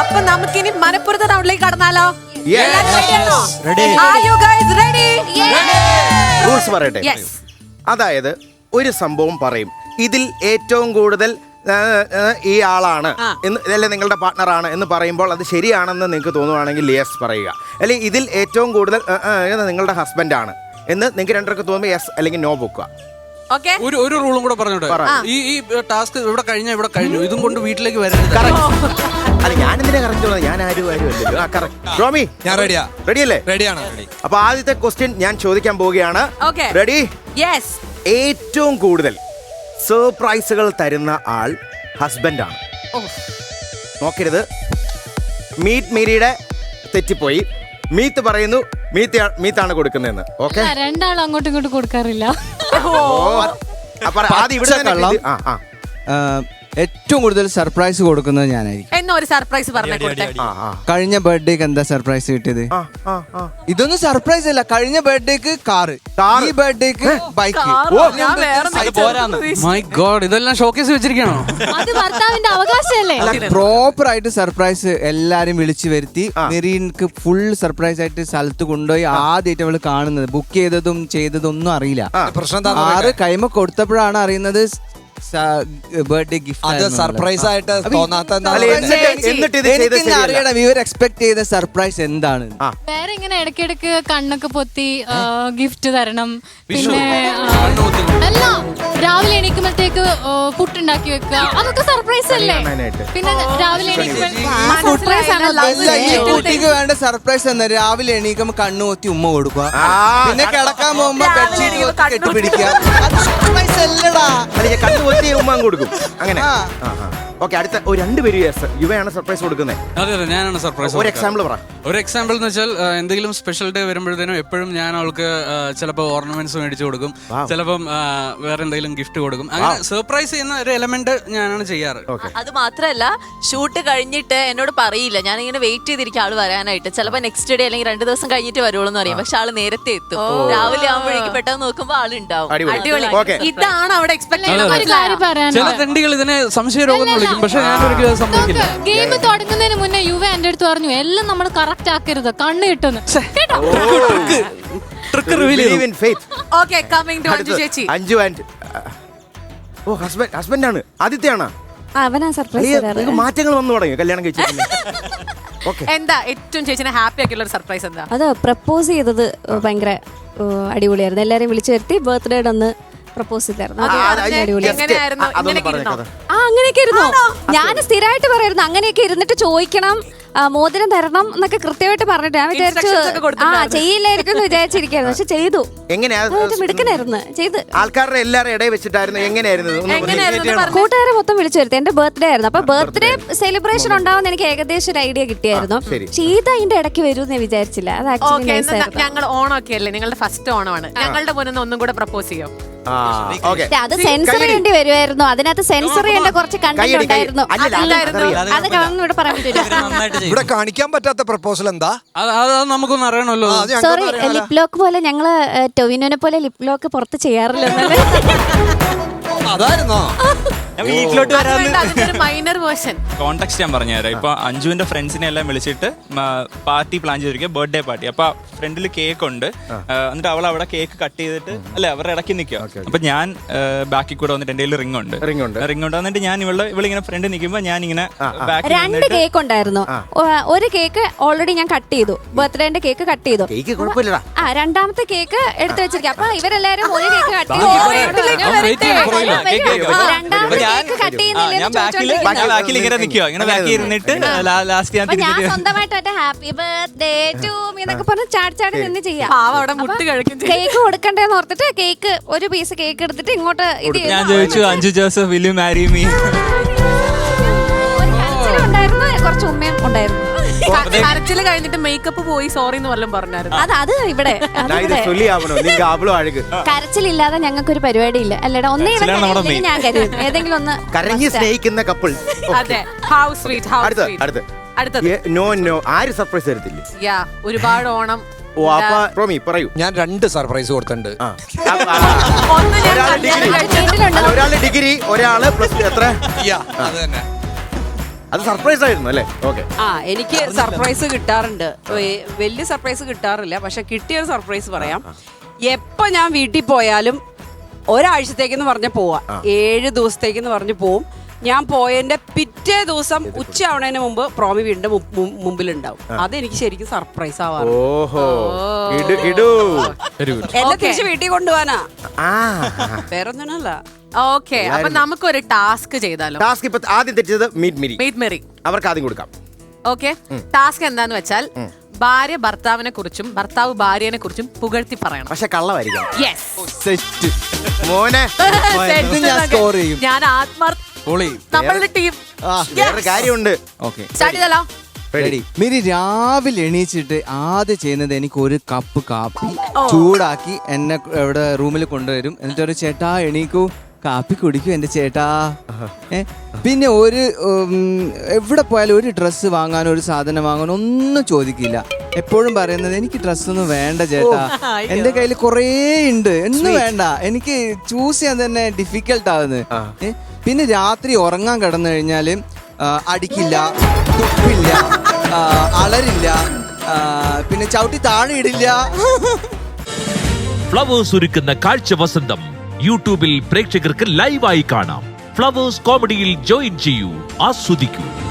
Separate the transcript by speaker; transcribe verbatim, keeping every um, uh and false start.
Speaker 1: അപ്പൊ നമുക്കിനി മലപ്പുറത്തെ റൗണ്ടിലേക്ക് കടന്നാലോ?
Speaker 2: റൂൾസ് പറയട്ടെ. അതായത് ഒരു സംഭവം പറയും, ഇതിൽ ഏറ്റവും കൂടുതൽ ഈ ആളാണ് എന്ന്, അല്ലെ നിങ്ങളുടെ പാർട്ട്ണറാണ് എന്ന് പറയുമ്പോൾ അത് ശരിയാണെന്ന് നിങ്ങൾക്ക് തോന്നുവാണെങ്കിൽ യെസ് പറയുക. അല്ലെങ്കിൽ ഇതിൽ ഏറ്റവും കൂടുതൽ നിങ്ങളുടെ ഹസ്ബൻഡാണ് എന്ന് നിങ്ങൾക്ക് രണ്ടർക്ക് തോന്നുമ്പോൾ യെസ് അല്ലെങ്കിൽ നോ വെക്കുക.
Speaker 3: ഒരു ഒരു റൂളും കൂടെ പറഞ്ഞോട്ടെ. ഈ ഈ ടാസ്ക് ഇവിടെ കഴിഞ്ഞാൽ ഇവിടെ കഴിഞ്ഞു, ഇതും കൊണ്ട് വീട്ടിലേക്ക് വരരുത്.
Speaker 2: അല്ല ഞാനെന്തിനാ കറക്റ്റ്, ഞാൻ ആരും ആരും അല്ലല്ലോ. റോമി,
Speaker 4: ഞാൻ റെഡിയാ.
Speaker 2: റെഡിയല്ലേ?
Speaker 4: റെഡിയാണ്.
Speaker 2: അപ്പൊ ആദ്യത്തെ ക്വസ്റ്റ്യൻ ഞാൻ ചോദിക്കാൻ പോവുകയാണ്. റെഡി?
Speaker 1: യെസ്.
Speaker 2: ഏറ്റവും കൂടുതൽ സർപ്രൈസുകൾ തരുന്ന ആൾ ഹസ്ബൻഡാണ്. നോക്കരുത്, മീറ്റ് മീരിയുടെ തെറ്റിപ്പോയി. മീത്ത് പറയുന്നു മീത്ത് മീത്താണ് കൊടുക്കുന്നതെന്ന്. ഓക്കെ,
Speaker 5: രണ്ടാളും അങ്ങോട്ടും ഇങ്ങോട്ടും കൊടുക്കാറില്ല.
Speaker 2: അപ്പൊ ആദ്യം ഇവിടെ
Speaker 6: ഏറ്റവും കൂടുതൽ സർപ്രൈസ് കൊടുക്കുന്നത് ഞാനായിരിക്കും.
Speaker 1: എന്നോ ഒരു സർപ്രൈസ് പറഞ്ഞേ.
Speaker 6: കഴിഞ്ഞ ബർത്ത്ഡേക്ക് എന്താ സർപ്രൈസ് കിട്ടിയത്? ഇതൊന്നും സർപ്രൈസ് അല്ല. കഴിഞ്ഞ ബർത്ത്ഡേക്ക് കാറ്, ഈ ബർത്ത്ഡേക്ക് ബൈക്ക്.
Speaker 3: മൈ ഗോഡ്, ഇതെല്ലാം ഷോക്കേസ് വെച്ചിരിക്കണോ?
Speaker 5: അത് ഭർത്താവിന്റെ അവകാശമല്ലേ?
Speaker 6: പ്രോപ്പർ ആയിട്ട് സർപ്രൈസ് എല്ലാരും വിളിച്ചു വരുത്തി മെറീൻക്ക് ഫുൾ സർപ്രൈസ് ആയിട്ട് സ്ഥലത്ത് കൊണ്ടുപോയി ആദ്യമായിട്ട് അവള് കാണുന്നത്. ബുക്ക് ചെയ്തതും ചെയ്തതും ഒന്നും അറിയില്ല. ആറ് കൈമ കൊടുത്തപ്പോഴാണ് അറിയുന്നത് ബർത്ത്ഡേ ഗിഫ്റ്റ്
Speaker 4: സർപ്രൈസ് ആയിട്ട് തോന്നാത്ത
Speaker 6: അറിയണം. ഇവർ എക്സ്പെക്ട് ചെയ്ത സർപ്രൈസ് എന്താണ്?
Speaker 5: വേറെ ഇങ്ങനെ ഇടയ്ക്കിടയ്ക്ക് കണ്ണൊക്കെ പൊത്തി ഗിഫ്റ്റ് തരണം. പിന്നെ അല്ല, രാവിലെ എണീക്കുമ്പോഴത്തേക്ക് പുട്ടുണ്ടാക്കി വെക്കുക, അതൊക്കെ സർപ്രൈസ് അല്ലേ? പിന്നെ രാവിലെ
Speaker 6: കുട്ടിക്ക് വേണ്ട സർപ്രൈസ് എന്താ? രാവിലെ എണീക്കുമ്പോ കണ്ണു പൊത്തി ഉമ്മ കൊടുക്കുക, പിന്നെ കിടക്കാൻ പോകുമ്പോ ബെഡ്ഷീറ്റ് കെട്ടിപ്പിടിക്കുക. അത് സർപ്രൈസ് അല്ലടാ.
Speaker 2: ഉമ്മ കൊടുക്കും അങ്ങനെ. ഓക്കെ, അടുത്ത ഒരു രണ്ടുപേരും യുവയാണ് സർപ്രൈസ് കൊടുക്കുന്നത്.
Speaker 3: അതെ അതെ, ഞാനാണ് സർപ്രൈസ്.
Speaker 2: ഒരു എക്സാമ്പിൾ പറ.
Speaker 3: ഒരു എക്സാമ്പിൾ എന്ന് വെച്ചാൽ എന്തെങ്കിലും സ്പെഷ്യൽ ഡേ വരുമ്പോഴത്തേനും എപ്പോഴും ഞാൻ അവൾക്ക് ചിലപ്പോൾ ഓർണമെന്റ്സ് മേടിച്ചു കൊടുക്കും, ചിലപ്പം വേറെ എന്തെങ്കിലും ഗിഫ്റ്റ് കൊടുക്കും. അങ്ങനെ സർപ്രൈസ് ചെയ്യുന്ന ഒരു എലമെന്റ് ഞാനാണ് ചെയ്യാറ്.
Speaker 7: അത് മാത്രമല്ല, ഷൂട്ട് കഴിഞ്ഞിട്ട് എന്നോട് പറയില്ല, ഞാൻ ഇങ്ങനെ വെയിറ്റ് ചെയ്തിരിക്കും ആള് വരാനായിട്ട്. ചിലപ്പോൾ നെക്സ്റ്റ് ഡേ അല്ലെങ്കിൽ രണ്ടു ദിവസം കഴിഞ്ഞിട്ട് വരുള്ളൂ എന്ന് അറിയാം, പക്ഷെ ആള് നേരത്തെ എത്തും. രാവിലെ ആകുമ്പോഴേക്കും പെട്ടെന്ന് നോക്കുമ്പോൾ ആളുണ്ടാവും.
Speaker 1: ഇതാണ് അവിടെ എക്സ്പെക്ട്
Speaker 3: ചില തെണ്ടികൾ ഇതിനെ സംശയരോഗം വിളിക്കും, പക്ഷെ ഞാൻ ഒരിക്കലും സംഭവിക്കില്ല.
Speaker 5: ഗെയിം തുടങ്ങുന്നതിന് മുന്നേ യുവ എന്റെ അടുത്ത് പറഞ്ഞു, എല്ലാം നമ്മൾ കറക്റ്റ് ആക്കരുത്, കണ്ണ് കിട്ടുന്നു.
Speaker 2: ഹസ്ബൻഡാണ് ആദിത്യാണ്.
Speaker 5: അവനാ സർപ്രൈസ്.
Speaker 2: മാറ്റങ്ങൾ വന്നു തുടങ്ങി കല്യാണം കഴിച്ചിട്ട്.
Speaker 1: എന്താ ഏറ്റവും ചേച്ചിനെ ഹാപ്പി ആക്കിയുള്ള ഒരു സർപ്രൈസ് എന്താ?
Speaker 8: അത് പ്രപ്പോസ് ചെയ്തത് ഭയങ്കര അടിപൊളിയായിരുന്നു. എല്ലാരെയും വിളിച്ചു വരുത്തി ബർത്ത്ഡേയുടെ ഒന്ന് പ്രപ്പോസ് ചെയ്തായിരുന്നു. അങ്ങനെയൊക്കെ ഇരുന്നു. ഞാൻ സ്ഥിരമായിട്ട് പറയായിരുന്നു അങ്ങനെയൊക്കെ ഇരുന്നിട്ട് ചോദിക്കണം, മോതിരം തരണം എന്നൊക്കെ കൃത്യമായിട്ട് പറഞ്ഞിട്ട് ഞാൻ വിചാരിച്ചു ആ ചെയ്യില്ലായിരിക്കും എന്ന് വിചാരിച്ചിരിക്കായിരുന്നു. പക്ഷെ ചെയ്തു. മിടുക്കനായിരുന്നു. ചെയ്ത്
Speaker 2: ആൾക്കാരുടെ എല്ലാവരും ഇടയിൽ വെച്ചിട്ടായിരുന്നു. എങ്ങനെയായിരുന്നു?
Speaker 8: കൂട്ടുകാരെ മൊത്തം വിളിച്ചു വരുത്തി. എന്റെ ബർത്ത്ഡേ ആയിരുന്നു. അപ്പൊ ബർത്ത്ഡേ സെലിബ്രേഷൻ ഉണ്ടാവുന്ന എനിക്ക് ഏകദേശം ഒരു ഐഡിയ കിട്ടിയായിരുന്നു. പക്ഷെ ഇത് അതിന്റെ ഇടയ്ക്ക് വരും ഞാൻ വിചാരിച്ചില്ല. അത് ആക്ച്വലി
Speaker 1: ഞങ്ങൾ ഓണമൊക്കെ അല്ലേ, നിങ്ങളുടെ ഫസ്റ്റ് ഓണമാണ്. ഞങ്ങളുടെ മുന്നിൽ ഒന്നും കൂടെ പ്രപ്പോസ് ചെയ്യോ?
Speaker 8: അത് സെൻസർ ചെയ്യേണ്ടി വരുമായിരുന്നു. അതിനകത്ത് സെൻസർ ചെയ്യേണ്ട കുറച്ച് കണ്ടന്റ് ഉണ്ടായിരുന്നു. അത് ഇവിടെ പറയാൻ പറ്റില്ല.
Speaker 4: ഇവിടെ കാണിക്കാൻ പറ്റാത്ത പ്രപ്പോസൽ എന്താ?
Speaker 3: നമുക്കൊന്നും അറിയണമല്ലോ.
Speaker 8: സോറി, ലിപ് ലോക്ക് പോലെ ഞങ്ങള് ടൊവിനോനെ പോലെ ലിപ് ലോക്ക് പുറത്ത് ചെയ്യാറില്ല.
Speaker 4: അതായിരുന്നോ?
Speaker 9: വീട്ടിലോട്ട്
Speaker 1: മൈനർ വേർഷൻ
Speaker 9: കോൺടാക്ട് ഞാൻ പറഞ്ഞുതരാം. ഇപ്പൊ അഞ്ജുവിന്റെ ഫ്രണ്ട്സിനെ എല്ലാം വിളിച്ചിട്ട് പാർട്ടി പ്ലാൻ ചെയ്തിരിക്കുക, ബർത്ത്ഡേ പാർട്ടി. അപ്പൊ ഫ്രണ്ടിൽ കേക്ക് ഉണ്ട്. എന്നിട്ട് അവൾ അവിടെ കേക്ക് കട്ട് ചെയ്തിട്ട് അല്ലെ അവരുടെ ഇടയ്ക്ക് നിൽക്കുക. അപ്പൊ ഞാൻ ബാക്കിൽ കൂടെ വന്നിട്ട് എന്റെ കയ്യിൽ റിംഗ് ഉണ്ട് റിംഗ് ഉണ്ട് റിംഗ് ഉണ്ട് വന്നിട്ട് ഞാൻ ഇവള് ഇവളിങ്ങനെ ഫ്രണ്ട് നിൽക്കുമ്പോ ഞാൻ ഇങ്ങനെ
Speaker 8: രണ്ട് കേക്ക് ഉണ്ടായിരുന്നു. ഒരു കേക്ക് ഓൾറെഡി ഞാൻ കട്ട് ചെയ്തു, ബർത്ത്ഡേന്റെ കേക്ക് കട്ട് ചെയ്തു. ആ രണ്ടാമത്തെ കേക്ക് എടുത്തു വെച്ചിരിക്കും. അപ്പൊ ഇവരെല്ലാരും ഒരു കേക്ക് കട്ട് ചെയ്തു. രണ്ടാമത്തെ കേക്ക് കട്ട് ഞാൻ സ്വന്തമായിട്ട് ഹാപ്പി ബർത്ത്ഡേ ടു മീ എന്നൊക്കെ പറഞ്ഞ് ചാടി ചാടി നിന്ന് ചെയ്യാം. കേക്ക് കൊടുക്കണ്ടേന്ന് ഓർത്തിട്ട് കേക്ക് ഒരു പീസ് കേക്ക് എടുത്തിട്ട് ഇങ്ങോട്ട് ഇത്
Speaker 9: ഞാൻ ചോദിച്ചു, Anju Joseph will you marry me?
Speaker 8: ഉണ്ടായിരുന്നു, കുറച്ച് ഉമ്മയും ഉണ്ടായിരുന്നു.
Speaker 1: കരച്ചില് കഴിഞ്ഞിട്ട് മേക്കപ്പ് പോയി സോറി എന്ന് വല്ലതും പറഞ്ഞായിരുന്നു.
Speaker 8: അത് അത് ഇവിടെ കരച്ചിലില്ലാതെ ഞങ്ങൾക്ക് ഒരു പരിപാടി ഇല്ല. അല്ലടാ, ഒന്നേ ഞാൻ കരുതും ഏതെങ്കിലും ഒന്ന്
Speaker 2: കരഞ്ഞ് സ്നേഹിക്കുന്ന കപ്പിൾ. സർപ്രൈസ് തരത്തില്ല.
Speaker 1: ഒരുപാട് ഓണം.
Speaker 4: ഞാൻ രണ്ട് സർപ്രൈസ് കൊടുത്തിട്ടുണ്ട്.
Speaker 2: ഒരാള് ഡിഗ്രി, ഒരാള് പ്ലസ് ടു. എത്ര?
Speaker 4: അത് തന്നെ.
Speaker 2: അത് സർപ്രൈസ് ആയിരുന്നു അല്ലേ? ഓക്കെ.
Speaker 10: ആ എനിക്ക് സർപ്രൈസ് കിട്ടാറുണ്ട്. വെ- വലിയ സർപ്രൈസ് കിട്ടാറില്ല, പക്ഷെ കിട്ടിയൊരു സർപ്രൈസ് പറയാം. എപ്പോ ഞാൻ വീട്ടിൽ പോയാലും ഒരാഴ്ചത്തേക്കെന്ന് പറഞ്ഞ പോവാ, ഏഴ് ദിവസത്തേക്കെന്ന് പറഞ്ഞ് പോവും. ഞാൻ പോയതിന്റെ പിറ്റേ ദിവസം ഉച്ച ആവണതിന് മുമ്പ് പ്രോമി വീടിന്റെ മുമ്പിലുണ്ടാവും. അതെനിക്ക് ശരിക്കും സർപ്രൈസ് ആവാറ്.
Speaker 2: ഓഹോ, ഇടു ഇടു.
Speaker 10: എന്നെ തിരിച്ച് വീട്ടിൽ കൊണ്ടുപോകാനാ,
Speaker 2: ആ
Speaker 10: വേറൊന്നിനല്ല.
Speaker 1: ഓക്കെ, അപ്പൊ നമുക്കൊരു ടാസ്ക് ചെയ്താലോ?
Speaker 2: ടാസ്ക് ഇപ്പൊ ആദ്യം തെറ്റിച്ചത് മീറ്റ് മിരി,
Speaker 1: മീറ്റ് മെറി.
Speaker 2: അവർക്ക് ആദ്യം കൊടുക്കാം.
Speaker 1: ഓക്കെ, ടാസ്ക് എന്താന്ന് വെച്ചാൽ ഭാര്യ ഭർത്താവിനെ കുറിച്ചും ഭർത്താവ് ഭാര്യനെ കുറിച്ചും പുകഴ്ത്തി പറയണം.
Speaker 2: പക്ഷെ കള്ളമായിരിക്കണം.
Speaker 6: സെറ്റ്
Speaker 2: മോനെ
Speaker 6: ഞാൻ സ്കോർ ചെയ്യും.
Speaker 1: ഞാൻ ആത്മാർത്ഥ
Speaker 3: പൊളി.
Speaker 1: നമ്മളുടെ ടീം
Speaker 2: വേറെ കാര്യമുണ്ട്.
Speaker 6: ഓക്കെ,
Speaker 1: സ്റ്റാർട്ട് ചെയ്താലോ?
Speaker 6: റെഡി. മിരി രാവിലെ എണീച്ചിട്ട് ആദ്യം ചെയ്യുന്നത് എനിക്ക് ഒരു കപ്പ് കാപ്പി ചൂടാക്കി എന്നെ ഇവിടെ റൂമിൽ കൊണ്ടുവരും. എന്നിട്ട് ഒരു ചേട്ടാ എണീക്കൂ, കാപ്പി കുടിക്കൂ എന്റെ ചേട്ടാ. ഏ പിന്നെ ഒരു ഉം, എവിടെ പോയാലും ഒരു ഡ്രസ്സ് വാങ്ങാനോ ഒരു സാധനം വാങ്ങാനോ ഒന്നും ചോദിക്കില്ല. എപ്പോഴും പറയുന്നത് എനിക്ക് ഡ്രസ്സൊന്നും വേണ്ട ചേട്ടാ, എന്റെ കയ്യിൽ കുറേ ഉണ്ട്, ഒന്നും വേണ്ട. എനിക്ക് ചൂസ് ചെയ്യാൻ തന്നെ ഡിഫിക്കൽട്ട് ആവുന്നത്. ഏ പിന്നെ രാത്രി ഉറങ്ങാൻ കിടന്നു കഴിഞ്ഞാല് ആ, അടിക്കില്ല, തുപ്പില്ല, ആ, അലറില്ല, ആ, പിന്നെ ചവിട്ടി താഴെ ഇടില്ല.
Speaker 11: ഫ്ലവേഴ്സ് ഒരുക്കുന്ന കാഴ്ച വസന്തം യൂട്യൂബിൽ പ്രേക്ഷകർക്ക് ലൈവായി കാണാം. ഫ്ലവേഴ്സ് കോമഡിയിൽ ജോയിൻ ചെയ്യൂ, ആസ്വദിക്കൂ.